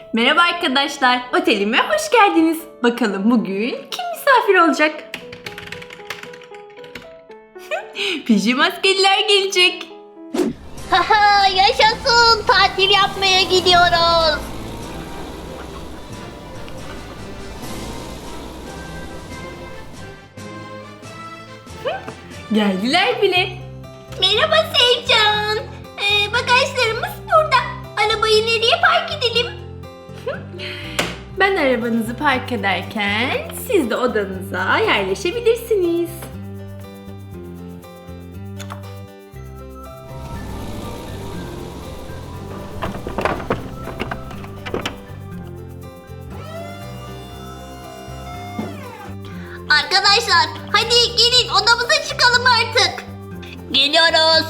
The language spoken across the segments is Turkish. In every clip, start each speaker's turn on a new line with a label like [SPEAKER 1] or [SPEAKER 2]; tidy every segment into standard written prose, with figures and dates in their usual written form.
[SPEAKER 1] Merhaba arkadaşlar, otelime hoş geldiniz. Bakalım bugün kim misafir olacak? Pijamaskeliler gelecek.
[SPEAKER 2] Haha, yaşasın, tatil yapmaya gidiyoruz.
[SPEAKER 1] Geldiler bile.
[SPEAKER 2] Merhaba Sevcan. Bagajlarımız burada. Arabayı nereye park edelim?
[SPEAKER 1] Ben arabanızı park ederken siz de odanıza yerleşebilirsiniz.
[SPEAKER 2] Arkadaşlar, hadi gelin odamıza çıkalım artık. Geliyoruz.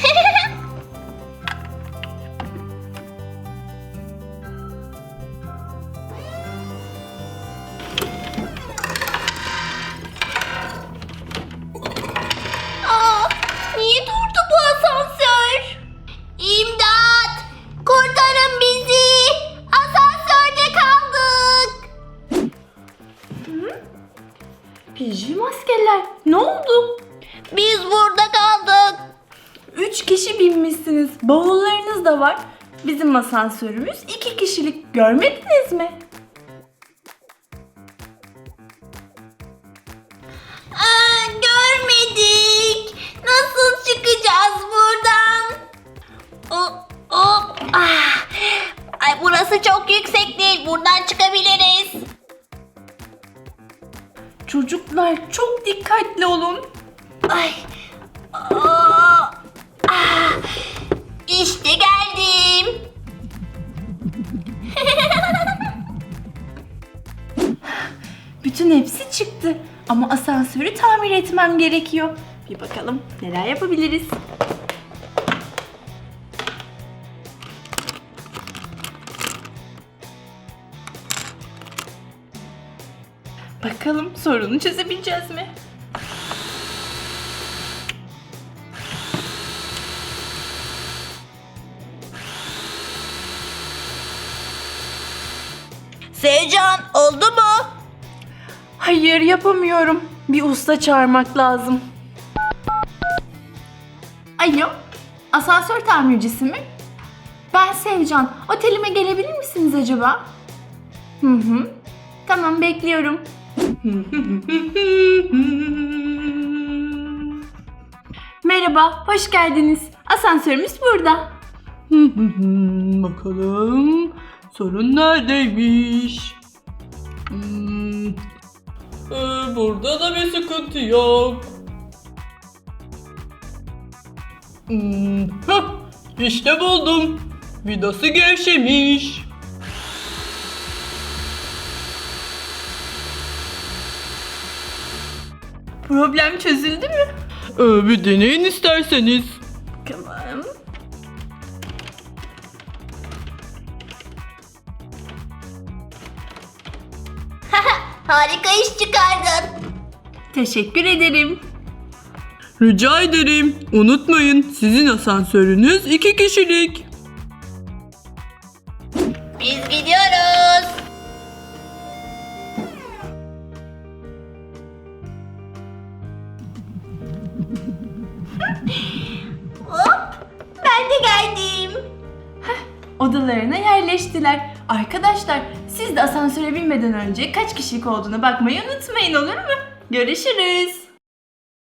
[SPEAKER 2] Aa, niye durdu bu asansör? İmdat! Kurtarın bizi! Asansörde kaldık!
[SPEAKER 1] Pijamaskeliler, ne oldu?
[SPEAKER 2] Biz burada kaldık.
[SPEAKER 1] 3 kişi binmişsiniz. Bavullarınız da var. Bizim asansörümüz 2 kişilik. Görmediniz mi?
[SPEAKER 2] Görmedik. Nasıl çıkacağız buradan? Ay, burası çok yüksek değil. Buradan çıkabiliriz.
[SPEAKER 1] Çocuklar çok dikkatli olun.
[SPEAKER 2] Ay. İşte geldim.
[SPEAKER 1] Bütün hepsi çıktı. Ama asansörü tamir etmem gerekiyor. Bir bakalım neler yapabiliriz. Bakalım sorunu çözebileceğiz mi?
[SPEAKER 2] Sevcan, oldu mu?
[SPEAKER 1] Hayır, yapamıyorum. Bir usta çağırmak lazım. Alo, asansör tamircisi mi? Ben Sevcan. Otelime gelebilir misiniz acaba? Hı. Tamam, bekliyorum. Merhaba, hoş geldiniz. Asansörümüz burada. Bakalım sorun neredeymiş? Burada da bir sıkıntı yok. İşte buldum. Vidası gevşemiş. Problem çözüldü mü? Bir deneyin isterseniz. Tamam.
[SPEAKER 2] Harika iş çıkardın.
[SPEAKER 1] Teşekkür ederim. Rica ederim. Unutmayın, sizin asansörünüz 2 kişilik.
[SPEAKER 2] Biz gidiyoruz. Hop, ben de geldim.
[SPEAKER 1] Odalarına yerleştiler. Arkadaşlar, siz de asansöre binmeden önce kaç kişilik olduğuna bakmayı unutmayın, olur mu? Görüşürüz.